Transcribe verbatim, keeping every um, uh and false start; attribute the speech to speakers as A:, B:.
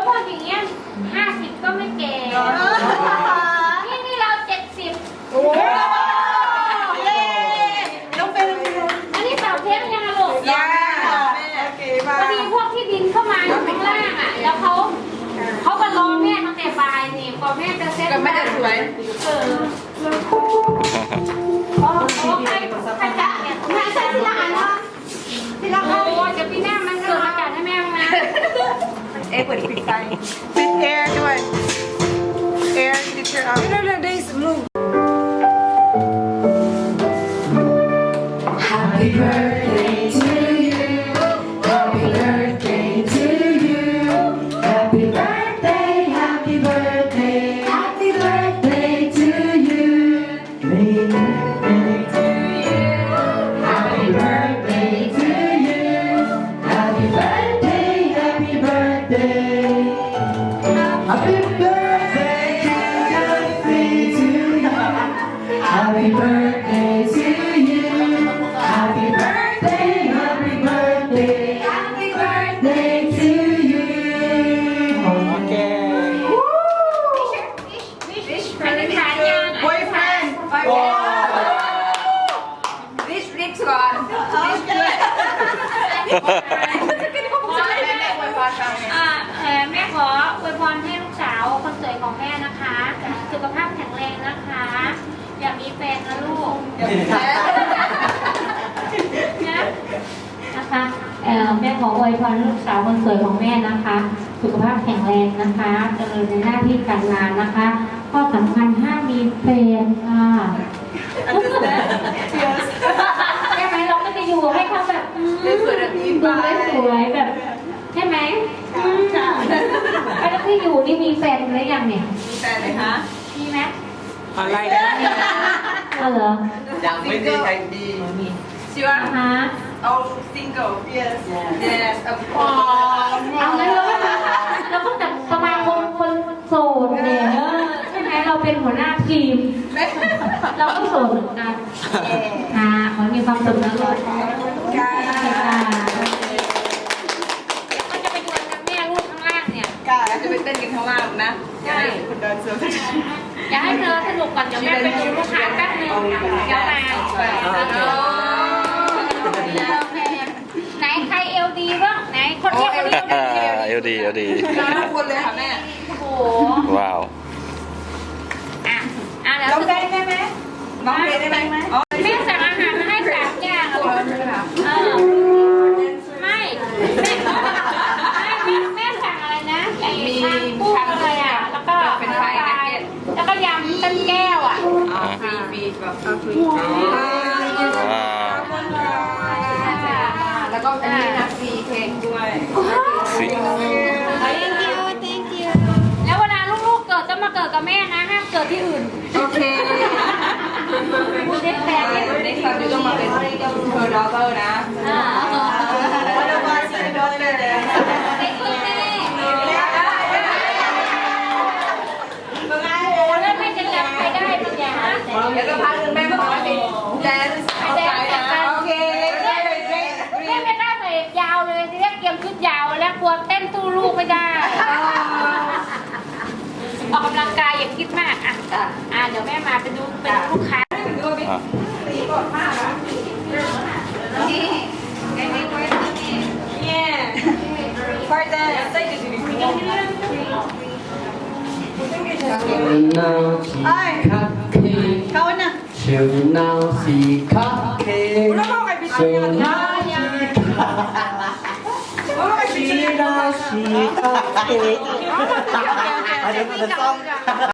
A: พออย่างเงี้ยห้าสิบก็ไม่แก่นี่นี่เราเจ็ดสิบโอ้เย้ต้องเป็นอันนี้สาวเทปยังลูกยังพอดีพวกที่ดินเข้ามาอยู่ข้างล่างอ่ะแล้วเขาเขาก็รอแม่ตั้งแต่บ่ายนี่พอแม่จะเซ็ตกับแม่จะสวยเออโอ้ใครใครจะเนี่ยแม่ใช่ที่ร้านเนาะที่ร้านโอ้จะพี่แม่มันเกิดอากาศให้แม่นะเอ๊ะเปิดปิดไฟปิดแอร์ด้วยแอร์ติดเชื้อเอาเรื่องได้สมุน
B: Happy birthday to you Happy birthday to you Happy birthday Happy birthday Happy birthday to you Happy birthday to you Happy birthday Happy birthday Happy birthday to you Happy birthday to you Happy birthday Happy birthday Happy birthday to you โอเค
A: อันนี้ขายยัง
C: boyfriend rich rich ก่อน rich ด้วย
A: อ่าเออแม่ขออวยพรให้ลูกสาวคนสวยของแม่นะคะสุขภาพแข็งแรงนะคะอย่ามีแฟนนะลูกนะนะคะเออแม่ขออวยพรลูกสาวคนสวยของแม่นะคะ สุขภาพแข็งแรงนะคะเจริญในหน้าที่การงานนะคะข้อสำคัญห้ามมีแฟนค่ะใช่ไหมเราก็จะอยู่ให้เขาแบบดูได้สวยแบบใช่ไหมแล้วที่อยู่นี่มีแฟนหรือยังเนี่ย
C: มีแฟนไหมคะ
A: มีไหม
D: อะไรนะ
A: ก็เหรอ
D: ยังไม่ได้ใครดี
C: sure
A: ฮะ
C: oh single yes yes of
A: อ๋อ
C: course
A: เอางั้นเราก็เราก็จัดสมาคมคนโสดเนี่ยใช่ไหมเราเป็นหัวหน้าทีม เราก็โสดเหมือนกันค่ะขอให้มีความสุขนะลูกค่ะก็จะไปดวลกับแม่ลูกข้างล่างเนี่ย
C: กาจะไปเต้นกันข้างล่างนะอย่าให้คุณเดินเซอร์
A: อย่าให้เธอสนุกก่อนเดี๋ยวแม่ไปดูลูกค้าแป๊บนึงเดี๋ยวมาไหนใครเอลดีบ้างไหนคนเรียกคนเรียก
D: เอลดีเอลดี
C: ทุกคนเลยค่ะแม่
A: โอ้โห
D: ว้าว
A: อ่ะอ่ะแล้ว
C: น้องได้ไหมแม่น้องได้ได้ไหมอ๋อ
A: แม่สั่งอาหารมาให้สามอย่างเออไม่แม่แม่แม่สั่งอะไรนะไอ้ทางกุ้งอะไรอ่ะแล้วก็เป็นไฟแล้วก็ยำเต้นแก้วอ่ะ
C: ฟรีฟรีแบบฟรี
D: ว้าว
C: แล้วก็อันนี้นะฟรีเค้กด้วย
D: สิ
A: thank you thank you แล้วเวลาลูกๆเกิดจะมาเกิดกับแม่นะห้ามเกิดที่อื่น
C: โอเค
A: เด็กแปลก
C: ในครั้งนี้ต้องมาเป็นเธอดอเตอร์นะ
A: อ่า
C: วันละวันเป็นดอเตอร์เลย
A: เด็กเลยแม่
C: เมื่อไง
A: โอ้แล้วแม่จะจำใครได้บางอย่างนะ
C: เดี๋ยวจะพาคุณแม่มาขอเป็นแดนซ์เอาใจนะโอเค
A: แม่ไม่กล้าใส่ยาวเลยเรียกเตรียมชุดยาวแล้วกลัวเต้นสู้ลูกไม่ได้ออกกำลังกายอย่าคิดมากอ่ะอ่ะเดี๋ยวแม่มาไปดูเป็นลูกค้า
D: อ่ะ
C: นี่ไอ้นี่ไว้นี่เนี่ยพอได้ใส่กระดิ่ง
B: เช้าสีคักเค้ก
C: เขาน่ะ
B: เช้าสีคักเค้ก
C: แล้วก็ไปพิ
B: เช้า
C: จารณา
B: สีคัก
C: แล้วก็ไปพิจารณา
B: เช้าสีคักเค้กอันนี้มันจะต้อง